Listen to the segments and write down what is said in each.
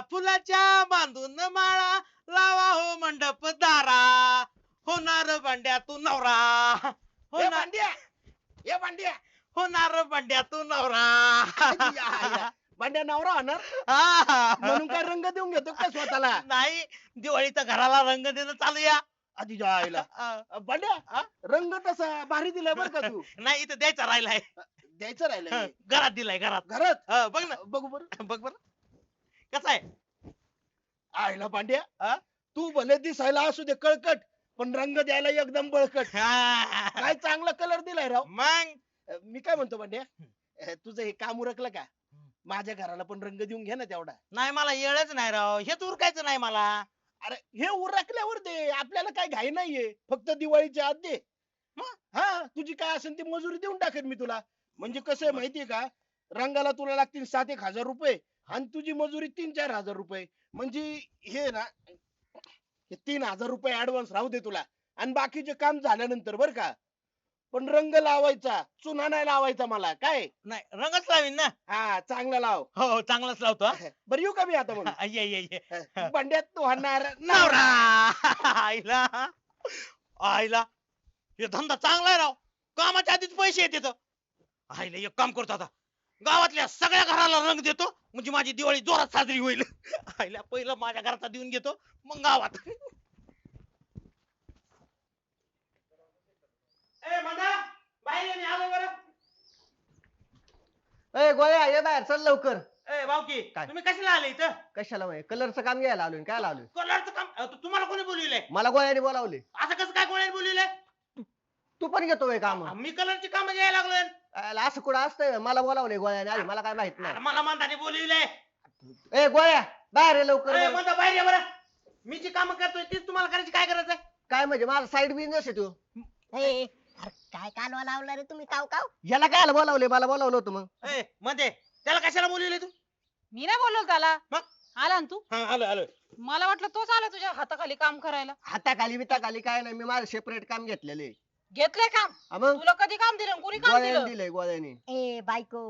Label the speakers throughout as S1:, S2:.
S1: फुलाच्या बांधून माळा लावा हो मंडप दारा होणार भांड्या तू नवरा
S2: ए
S1: होणार
S2: भांड्या ए भांड्या
S1: होणार भांड्या तू नवरा
S2: आईला. भांड्या नवरा होणार
S1: हा.
S2: म्हणून काय रंग देऊन घेतो काय स्वतःला
S1: नाही दिवाळीचा घराला रंग देणं चालूया
S2: आधी आईला भांड्या रंग तसा भारी दिलाय बर का तू
S1: नाही इथं द्यायचा राहिलाय
S2: द्यायचं राहिलं
S1: घरात दिलाय घरात
S2: घरात
S1: बघ ना
S2: बघू बरं
S1: बघ बर कसा आहे
S2: आईला भांड्या
S1: हा?
S2: तू भले दिसायला असू दे कळकट पण रंग द्यायला एकदम बळकट
S1: हा.
S2: काय चांगला कलर दिलाय राव
S1: मग
S2: मी काय म्हणतो भांड्या तुझं हे काम उरकलं का माझ्या घराला पण रंग देऊन घे ना तेवढा
S1: नाही मला येळच नाही राव हेच उरकायचं नाही मला
S2: अरे हे उरकल्यावर दे आपल्याला काय घाई नाहीये फक्त दिवाळीच्या आत दे हा तुझी काय असेल ती मजुरी देऊन टाकेन मी तुला म्हणजे कसं आहे माहितीये का रंगाला तुला लागतील 7-1 हजार रुपये आणि तुझी मजुरी 3-4 हजार रुपये म्हणजे हे ना हे 3 हजार रुपये ऍडव्हान्स राहू दे तुला आणि बाकीचे काम झाल्यानंतर बर का पण रंग लावायचा चुना नाही लावायचा मला काय
S1: नाही रंगच लावीन ना
S2: हा चांगला लाव
S1: हो चांगलाच लावतो हा.
S2: बरं येऊ का मी आता मग
S1: ये ये ये
S2: भांड्यात तू होणार
S1: नवरा आईला आईला हे धंदा चांगला आहे राव कामाच्या आधीच पैसे येते आईला एक काम करतो आता गावातल्या सगळ्या घराला रंग देतो म्हणजे माझी दिवाळी जोरात साजरी होईल आईला पहिलं माझ्या घराचा देऊन घेतो मग गावात ए मंदा बाहेर ये, मी आलो बरं
S3: ए गोळ्या ये बाहेर चल लवकर.
S1: ए भाऊकी
S3: काय?
S1: तुम्ही कशाला आले इथं
S3: कशाला वय कलरचं काम घ्यायला आलोय काय आलोय
S1: कलरचं काम तुम्हाला कोणी बोलविलंय
S3: मला गोळ्याने बोलावले.
S1: असं कसं काय कोणी बोलविलंय
S3: तू पण घेतो वय काम
S1: मी कलरची काम घ्यायला लागलोय
S3: असं कुठं असतंय मला बोलावले गोळ्याने आधी मला काय माहित
S1: अरे
S3: नाही.
S1: मला मंदाने बोलविलंय
S3: ए गोळ्या बाहेर ये लवकर
S1: अरे
S3: बरं.
S1: मंदा बाहेर ये बरं मी जी काम करतोय तीच तुम्हाला करायची काय गरज आहे
S3: काय म्हणजे माझा साईड बिझनेस आहे तू
S4: अरे काय कालवा लावला रे तुम्ही काव काव
S3: याला काय बोलावले मला बोलावलं होतं मग
S1: ए मध्ये त्याला कशाला बोलविले तू
S5: मी नाही बोललो त्याला
S1: मग?
S5: आला ना तू
S1: हा आलो आलो
S5: मला वाटलं तोच आला तुझ्या हाताखाली काम करायला.
S3: हाताखाली बिताखाली काय नाही मी माझं सेपरेट काम घेतलेले
S5: घेतलंय काम
S3: मग
S5: तुला कधी काम दिलं कुणी काम
S3: गोळ्याने
S5: दिलं
S3: दिलंय गोळ्याने.
S4: ए बायको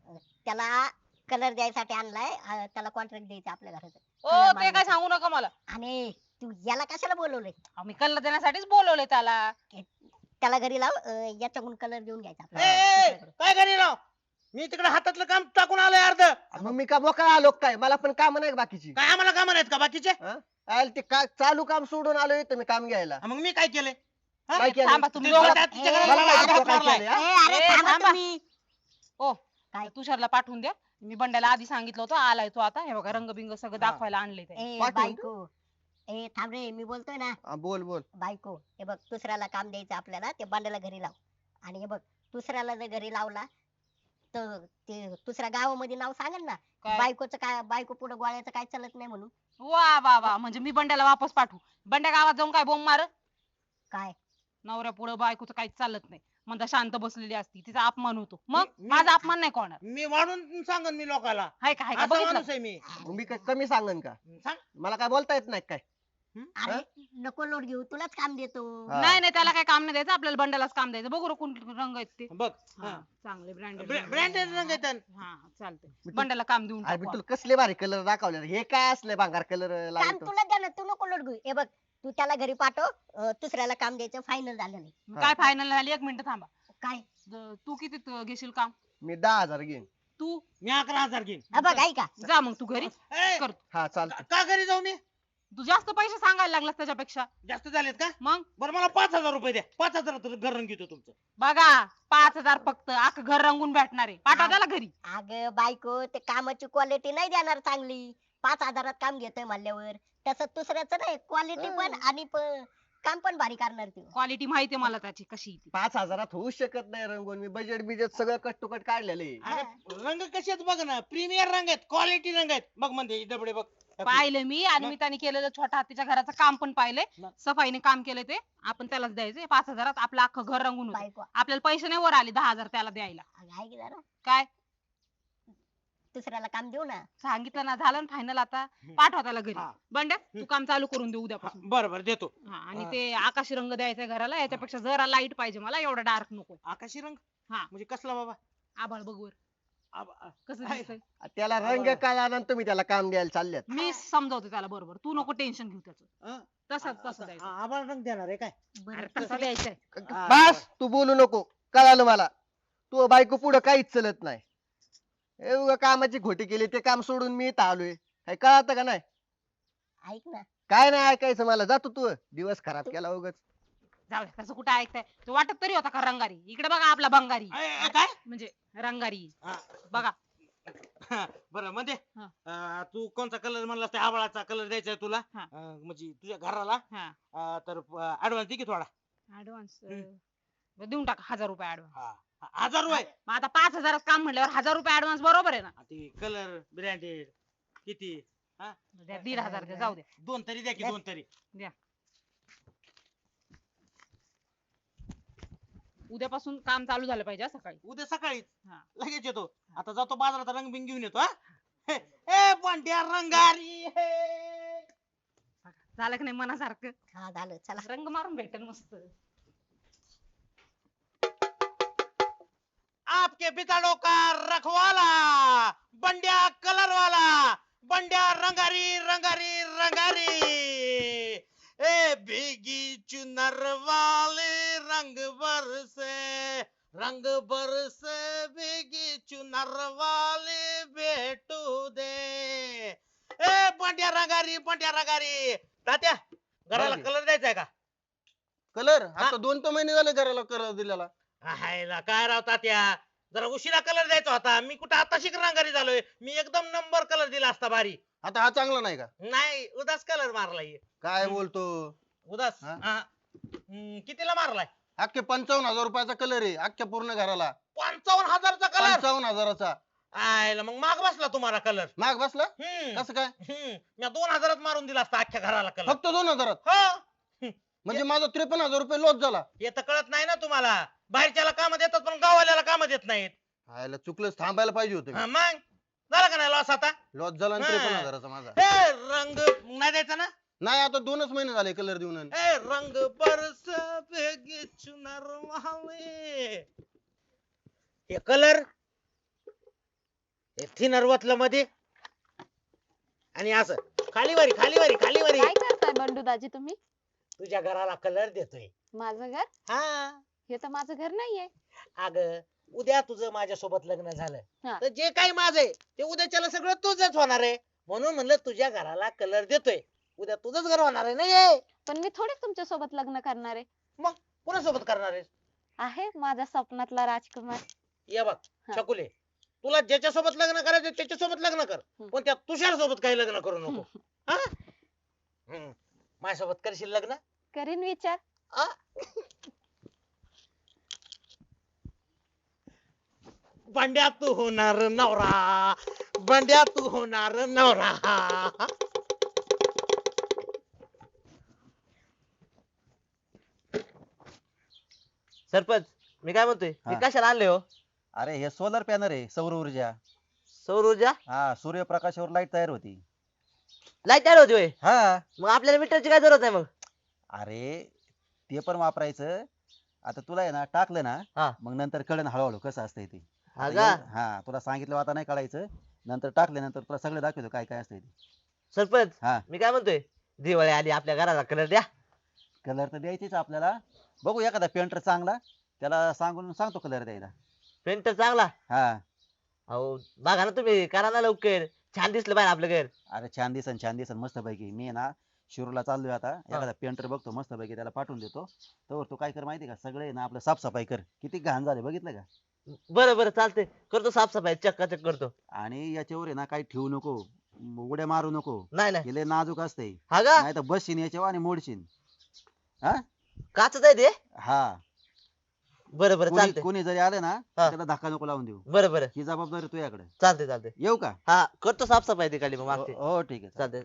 S4: त्याला कलर द्यायसाठी आणलाय त्याला कॉन्ट्रॅक्ट द्यायचं आपल्या घराचं
S5: ओ ते काय सांगू नका मला
S4: आणि तू याला कशाला बोलवलंय
S5: आम्ही कल्ला देण्यासाठीच बोलवले त्याला.
S4: त्याला घरी लाव याच्याकडून कलर घेऊन घ्यायचा
S1: ए, ए
S4: आपल्याला
S1: काय करी राव मी तिकडे हातातलं काम टाकून आलोय अर्ध
S3: मग मी का मोकळा आलो काय मला पण काम नाही का बाकीची
S1: काय आम्हाला काम आहेत का बाकीचे
S3: ते चालू काम सोडून आलोय तर मी काम घ्यायला.
S1: मग मी काय केलंय हा?
S3: काय केलं?
S5: थांबा तुम्ही
S1: ते
S5: दोघं.
S1: बटाट तिच्या घराला
S3: मला माहिती
S1: हात
S3: तो काय
S1: मारलाय.
S3: केलंय, हा?
S4: अरे
S5: ए,
S4: थांबा
S5: थांबा.
S4: तुम्ही.
S5: ओ
S4: काय?
S5: तुषारला पाठवून द्या. मी बंड्याला आधी सांगितलं होतं आलाय तो आता हे बघा रंगबिंग सगळं दाखवायला आणले ते.
S4: ए
S3: पाठवून
S4: बायको ए थांब रे मी बोलतोय ना
S3: बोल बोल
S4: बायको हे बघ दुसऱ्याला काम द्यायचं आपल्याला ते बांड्याला घरी लाव आणि हे बघ दुसऱ्याला जर घरी लावला तर ते दुसऱ्या गावामध्ये नाव सांगेल ना
S5: काय?
S4: बायकोचं काय बायको पुढे गोळ्याचं काय चालत नाही म्हणून
S5: वा वा वा म्हणजे मी बंड्याला वापस पाठवू. बंड्या गावात जाऊन काय बोंब मार
S4: काय
S5: नवऱ्या पुढे बायकोचं काहीच चालत नाही म्हणता शांत बसलेली असती तिचा अपमान होतो. मग
S1: मी-
S5: माझा अपमान नाही कोणार
S1: मी वाढून सांगन मी लोकाला
S5: हाय का हाय का
S1: असा
S5: बघितलं
S1: माणूस आहे मी
S3: मग मी काय कमी सांगन का
S1: सांग
S3: मला काय बोलता येत नाही काय.
S4: अरे नको लोट घेऊ तुलाच काम देतो
S3: हा.
S5: नाही नाही त्याला काय काम नाही द्यायचं आपल्याला बंड्यालाच काम द्यायचं. बघू रे कोणते रंग आहेत ते.
S1: बघ
S5: हा, चांगले ब्रँडेड
S1: ब्रँडेड रंग आहेत
S5: हा चालतंय बंड्याला काम देऊन
S3: अरे
S5: टाकू
S3: तुला कसले भारी कलर दाखवले हे काय असले भांगार कलर
S4: काम
S3: लावतो.
S4: तुला द्या ना तू नको लोट घेऊ हे बघ तू त्याला घरी पाठव दुसऱ्याला काम द्यायचं फायनल झालं नाही
S5: आपण. काय फायनल झाली 1 मिनिट थांबा.
S4: काय
S5: तू किती घेशील काम
S3: मी 10,000 घेईन.
S5: तू
S1: मी 11,000 घेईन
S4: हा बघ ऐका
S5: जा मग तू घरी
S1: ए,
S5: कर.
S3: हा चालतं.
S1: का घरी जाऊ मी
S5: तू जास्त पैसे सांगायला लागलास त्याच्यापेक्षा.
S1: जास्त झालेत का
S5: मग
S1: बरं मला 5,000 रुपये द्या 5,000 घर रंग घेतो तुमचं
S5: बघा 5,000 फक्त अख्खं घर रंगून भेटणार आहे. पाठवा त्याला घरी.
S4: अग बायको ते कामाची क्वालिटी नाही देणार चांगली 5,000 काम घेतोय म्हणल्यावर तसं दुसऱ्याचं नाही क्वालिटी पण आणि काम पण भारी करणार ती
S5: क्वालिटी माहितीये मला त्याची कशी ती.
S3: 5,000 होऊ शकत नाही रंगवून मी बजेट बिजेट सगळं कट टू कट काढलेले.
S1: अरे रंग कसे आहेत बघ ना प्रीमियर रंग आहेत क्वालिटी रंग आहेत बघ म्हणजे डबडे बघ
S5: पाहिलं मी आणि मी त्याने केलेलं छोट्या हातीच्या घराचं काम पण पाहिलंय.
S1: मग?
S5: सफाईने काम केलं ते आपण त्यालाच द्यायचं 5,000 आपलं अख्खं घर रंगून होतं.
S4: बायको
S5: आपल्याला पैसे नाही वर आले 10,000 त्याला द्यायला.
S4: अगं ऐक जरा
S5: काय
S4: दुसऱ्याला काम देऊ ना
S5: सांगितलं ना झालं फायनल आता पाठवा त्याला घरी.
S1: हा.
S5: बंड्या तू काम चालू करून देऊ उद्यापासून.
S1: बरं बरं देतो
S5: हा आणि ते आकाशी रंग द्यायचा घराला याच्यापेक्षा जरा लाईट पाहिजे मला एवढा डार्क नको.
S1: आकाशी रंग
S5: हा
S1: म्हणजे कसला बाबा
S5: आभाळ बघ वर. कसं
S1: आहे.
S5: दिसतंय
S3: त्याला रंग कळाला तुम्ही त्याला काम द्यायला चालल्यात.
S5: मी समजावते त्याला बरोबर तू नको टेन्शन घेऊ त्याचं
S1: हं?
S5: तसं द्यायचं
S1: आम्हाला रंग देणार आहे काय
S5: अरे तसं द्यायचंय
S1: हा,
S3: बस तू बोलू नको, कळालं मला. तू बायको पुढं काहीच चलत नाही. एवढं कामाची खोटी केली ते काम सोडून मी इथं आलोय. काय कळत का नाही?
S4: ऐक ना
S3: काय नाही ऐकायचं मला, जातो तू दिवस खराब केला उगाच.
S5: जाऊ दे तसं कुठं ऐकताय तो वाटत तरी होता का रंगारी इकडे बघा आपला बंगारी
S1: काय
S5: म्हणजे रंगारी
S1: हा.
S5: बघा
S1: बरं मध्ये
S5: हा.
S1: तू कोणता कलर म्हणलास त्या आवाळाचा कलर द्यायचा आहे तुला
S5: हा.
S1: म्हणजे तुझ्या घराला
S5: हा
S1: तर ऍडव्हान्स दे की थोडा
S5: ऍडव्हान्स देऊन टाका 1000 रुपये ऍडव्हान्स
S1: हा 1000 रुपये
S5: मग आता 5000 काम म्हटल्यावर 1000 रुपये ऍडव्हान्स बरोबर आहे ना
S1: ते कलर ब्रँडेड किती
S5: द्या 1500 द्या जाऊ द्या
S1: दोन तरी द्या की दोन तरी
S5: द्या उद्यापासून काम चालू झालं पाहिजे हा सकाळी
S1: उद्या सकाळीच
S5: हा.
S1: लगेच येतो आता जातो बाजारात रंग बिंग घेऊन येतो हा ए पांड्या रंगारी हे
S5: झालं की नाही मनासारखं
S4: हा झालं चला
S5: रंग मारून भेटेल मस्त
S1: आपके बिताड़ो का रखवाला बंड्या कलर वाला बंड्या रंगारी रंगारी रंगारी ए भीगी चुनर वाले रंग बरसे भीगी चुनर वाले भेटू दे ए बंड्या रंगारी तात्या घराला
S3: बोल की.
S1: कलर द्यायचा आहे का
S3: कलर आता 2 महिने झाले घराला कलर दिलेला.
S1: हायला काय राव तात्या जरा उशिरा कलर द्यायचा होता मी कुठं आता रंगारी झालोय मी एकदम नंबर कलर दिला असता भारी
S3: आता हा चांगला नाही का?
S1: नाही उदास कलर मारलाय
S3: काय बोलतो?
S1: उदास
S3: हा?
S1: कितीला मारलाय
S3: अख्खे 55,000 रुपयाचा कलर आहे अख्ख्या पूर्ण घराला.
S1: 55,000चा कलर
S3: 55,000चा.
S1: आयला मग माग बसला तुम्हाला कलर
S3: माग बसला कसं काय?
S1: मी 2000 मारून दिला असता अख्ख्या घराला कलर
S3: फक्त 2,000.
S1: हो
S3: म्हणजे माझा 53,000 रुपये लॉस झाला.
S1: हे तर कळत नाही ना तुम्हाला बाहेरच्याला काम देतात पण गावाल्याला काम देत नाहीत
S3: हायला चुकलंच, थांबायला पाहिजे होतं.
S1: हा, मग झालं का नाही लॉस आता
S3: लॉस झाला
S1: हा.
S3: 53,000चा माझा.
S1: ए रंग नाही द्यायचा ना
S3: नाही आता 2च महिने झाले कलर देऊन.
S1: ए रंग बरस बेगे चुनर वाले हे कलर हे थिनर वतलं मध्ये आणि असं खालीवारी
S6: काय करताय बंडू दाजी तुम्ही?
S1: तुझ्या घराला कलर देतोय
S6: माझं घर?
S1: हा
S6: हे तर माझं घर नाहीये.
S1: अग उद्या तुझं माझ्यासोबत लग्न झालं
S6: हा.
S1: तर जे काही माझं आहे ते उद्याच्याला सगळं तुझंच होणार आहे म्हणून म्हणलं तुझ्या घराला कलर देतोय उद्या तुझंच घर होणार आहे नाही
S6: पण मी थोडीच तुमच्या सोबत लग्न करणार आहे.
S1: कोणासोबत करणार आहेस
S6: आहे माझ्या स्वप्नातला राजकुमार.
S1: ये बघ
S6: हा.
S1: छकुले तुला ज्याच्यासोबत लग्न करायचं त्याच्यासोबत लग्न कर
S6: हम्म.
S1: पण त्या तुषार सोबत काही लग्न करू नको हा? माझ्यासोबत करशील लग्न
S6: करीन विचार.
S1: आ? बंड्या तू होणार नवरा बंड्या तू होणार नवरा
S7: सरपंच मी काय म्हणतोय मी
S8: हा.
S7: कशाला आणले हो
S8: अरे हे सोलर पॅनल आहे सौर ऊर्जा.
S7: सौर ऊर्जा
S8: हा सूर्यप्रकाशावर लाईट तयार होती.
S7: लाईट तयार होती होय
S8: हा
S7: मग आपल्याला मीटरची काय जरूरत आहे मग
S8: अरे ते पण वापरायचं. आता तुला आहे ना टाकलं
S7: हा.
S8: ना मग नंतर कळण हळूहळू कसं असतंय ते.
S7: हा
S8: आता
S7: का?
S8: हा तुला सांगितलं आता नाही कळायचं नंतर टाकल्यानंतर तुला सगळं दाखवतो काय काय असतंय ते.
S7: सरपंच
S8: हा.
S7: मी काय म्हणतोय दिवाळी आली आपल्या घराला कलर द्या
S8: कलर तर द्यायचीच आपल्याला. बघू एखादा पेंटर चांगला त्याला सांगून सांगतो कलर द्यायला.
S7: पेंटर चांगला
S8: हा
S7: अहो बघा ना तुम्ही करा ना लवकर छान दिसलं पाहिजे आपलं घर
S8: अरे छान दिसन मस्त पैकी. मी आहे ना शिरूरला चाललोय आता एखादा पेंटर बघतो मस्त पैकी त्याला पाठवून देतो. तर तू काय कर माहिती का सगळे ना आपलं साफसफाई कर. किती घाण झाले बघितलं का.
S7: बरं बरं चालतंय करतो साफसफाई चक्काचक करतो
S8: आणि याच्यावर आहे ना काही ठेवू नको उड्या मारू नको.
S7: नाही नाही
S8: हे लय नाजूक असते
S7: हा का
S8: नाही तर बसशील याच्यावर आणि मोडशील. हा
S7: काच आहे ते
S8: हा
S7: बरं बरं
S8: कोणी
S7: चालतंय
S8: कोणी जरी आलं ना
S7: हा.
S8: त्याला धक्का नको लावून देऊ.
S7: बरं बरं
S8: ही जबाबदारी तुझ्याकडे.
S7: चालतंय चालतंय
S8: येऊ का.
S7: हा करतो साफसफाई तिकडली मग मागते
S8: हो ठीक आहे
S7: चालतंय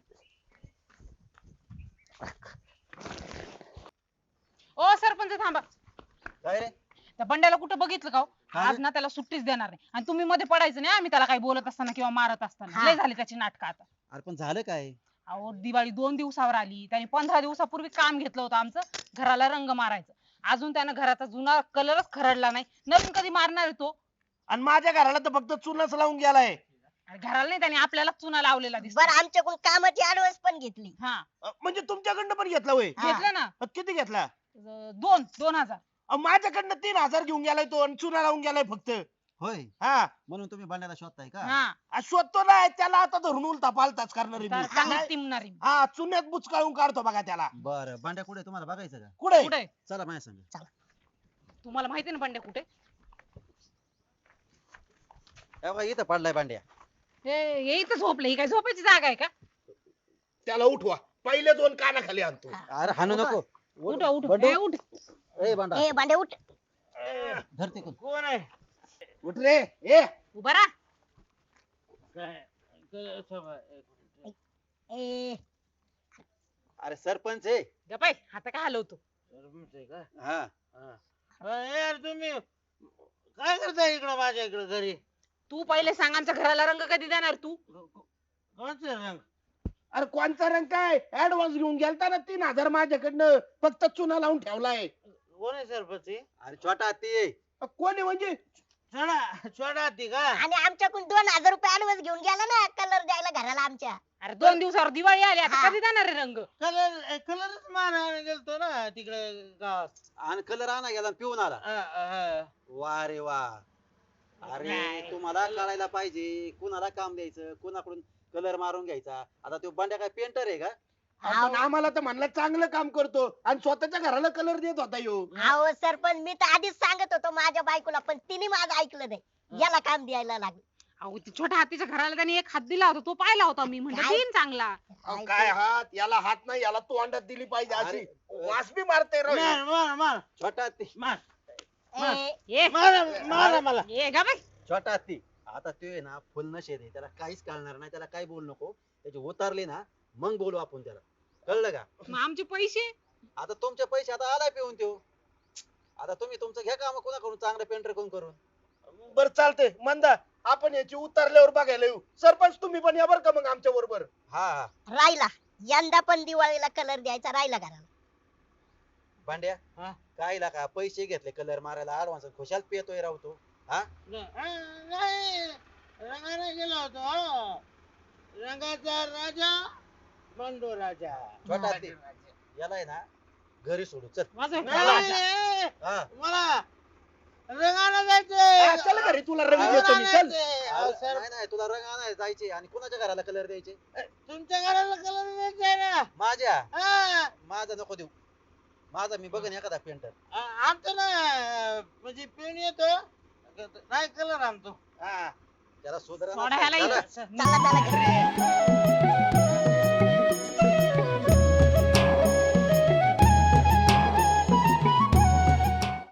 S5: ओ सरपंच थांबा
S3: काय रे?
S5: त्या बंड्याला कुठं बघितलं का हो?
S3: काय
S5: आज
S3: रे?
S5: ना त्याला सुट्टीच देणार नाही आणि तुम्ही मध्ये पडायचं नाही आम्ही त्याला काही बोलत असताना किंवा मारत असताना
S4: हा.
S5: लय झाली त्याची नाटक आता.
S8: अरे पण झालं काय.
S5: अहो दिवाळी 2 दिवसावर आली त्याने 15 दिवसापूर्वी काम घेतलं होतं आमचं घराला रंग मारायचं. अजून त्यानं घराचा जुना कलरच खरडला नाही नवीन कधी मारणार आहे तो.
S2: आणि माझ्या घराला तर फक्त चुनाच लावून गेलाय.
S5: अरे घराला नाही त्याने आपल्याला चुना लावलेला दिसतो.
S4: बरं आमच्याकडून कामाची ऍडव्हान्स पण घेतली.
S5: हा
S2: म्हणजे तुमच्याकडनं पण घेतला होय?
S4: हा.
S5: घेतलं ना.
S2: किती घेतला?
S5: 2,000
S2: माझ्याकडनं 3,000 घेऊन गेलाय तो आणि चुना लावून गेलाय फक्त.
S8: होय
S2: हा
S8: म्हणून तुम्ही भांड्याला शोधताय का?
S5: हा
S2: शोधतो ना त्याला आता धरून उलता पालताच करणार
S5: तर
S2: आहे
S5: चांगली
S2: मी.
S5: टिमणारी.
S2: हा चुन्यात बुचकाळून काढतो बघा त्याला.
S8: बरं भांड्या कुठे तुम्हाला बघायचं का?
S2: कुठे?
S5: कुठे
S8: चला माझ्या संग.
S5: तुम्हाला माहिती ना बंड्या कुठे?
S8: हे बघा, इथं पडलाय भांड्या.
S5: हे इथं झोपले. ही काय झोपायची जागा आहे का?
S2: त्याला उठवा. पहिले 2 कानाखाली आणतो.
S8: अरे हाणू नको.
S5: उठ उठ
S8: बंडू.
S5: ए, उठ.
S8: ए भांडा
S4: ए भांडे उठ.
S8: धरते कोण?
S2: कोण आहे? उठ रे. ए
S5: उभा राहा.
S4: ए
S8: अरे सरपंच आहे.
S5: गपाय हात का हलवतो.
S8: हा
S1: यार तुम्ही काय करताय इकडं माझ्या इकडं घरी?
S5: तू पहिले सांग आमच्या घराला रंग कधी देणार तू?
S1: कोणते रंग?
S2: अरे कोणचा रंग काय? ऍडव्हान्स घेऊन गेलता ना 3,000 माझ्याकडनं. फक्त चुना लावून ठेवलाय.
S1: कोण आहे सरपंच?
S8: अरे छोटा हत्ती आहे.
S2: कोणी म्हणजे?
S1: छोटा हत्ती का?
S4: आणि आमच्याकडून 2,000 रुपये ऍडव्हान्स घेऊन गेला ना कलर द्यायला घराला आमच्या.
S5: अरे 2 दिवसावर दिवाळी आली आता
S4: हा.
S5: कधी देणार आहे रंग?
S1: कलरच मारायला गेलतो ना तिकडे गावात.
S8: आणि कलर आणा गेला आणि पिऊन आला. वा रे वा. अरे तुम्हाला कळायला पाहिजे कुणाला काम द्यायचं, कुणाकडून कलर मारून घ्यायचा. आता तो बंड्या काय पेंटर आहे का?
S2: आपण आम्हाला तर म्हणलं चांगलं काम करतो आणि स्वतःच्या घराला कलर देत होता यो.
S4: अहो सरपंच मी तर आधीच सांगत होतो माझ्या बायकोला पण तिने माझं ऐकलं नाही. याला काम द्यायला लागलं.
S5: अहो ती छोट्या हातीच्या घराला त्यांनी एक हात दिला होता तो पाहिला होता मी म्हणलं
S4: काय?
S5: देईन चांगला.
S2: अहो, काय हात? याला हात नाही, याला तोंडात दिली पाहिजे अशी.
S8: अरे,
S2: वास बी मारते राव हे.
S1: मार
S8: छोटा हत्ती.
S4: ए,
S5: ये
S1: मारा मला.
S5: ये गा बाई.
S8: छोटा हत्ती. आता तो आहे ना फुल नशेत आहे, त्याला काहीच कळणार नाही, त्याला काही बोलू नको. त्याचे उतारले ना मग बोलू आपण त्याला. कळलं का?
S5: मग आमचे पैसे?
S8: आता तुमचे पैसे आता आलाय पिऊन त्यो. आता तुम्ही तुमचं घ्या काम कोणाकडून चांगलं पेंटर कोण करून.
S2: बरं चालतंय मंदा, आपण याची उतरल्यावर बघायला येऊ. सरपंच तुम्ही पण या बरं का मग आमच्या बरोबर.
S8: हा हा
S4: राहिला यंदा पण दिवाळीला कलर द्यायचा राहिला घराला.
S8: भांड्या काय का पैसे घेतले कलर मारायला ऍडव्हान्स खुशाल पेतोय राव तो. हा
S1: नाही रंगाने गेलो होतो. रंगाचा राजा बंडू राजा.
S8: छोटा हत्ती. याला आहे ना घरी सोडू चल.
S5: माझं
S1: नाही,
S8: हा
S1: मला रंगाने
S2: हा,
S1: जायचंय.
S2: चल घरी तुला रंग देतो मी. चल.
S8: नाही नाही तुला रंग आणायला जायचे आणि कुणाच्या घराला कलर द्यायचे?
S1: तुमच्या घराला कलर द्यायचाय ना?
S8: माझ्या.
S1: हा.
S8: माझा नको देऊ. माझा मी बघन एखादा पेंटर.
S1: आमचं ना म्हणजे पिऊन येतो नाही कलर आणतो.
S2: हा.
S8: त्याला सुधारणा
S5: सोडा ह्याला
S8: चला.
S5: इथं.
S4: चला चला घरी.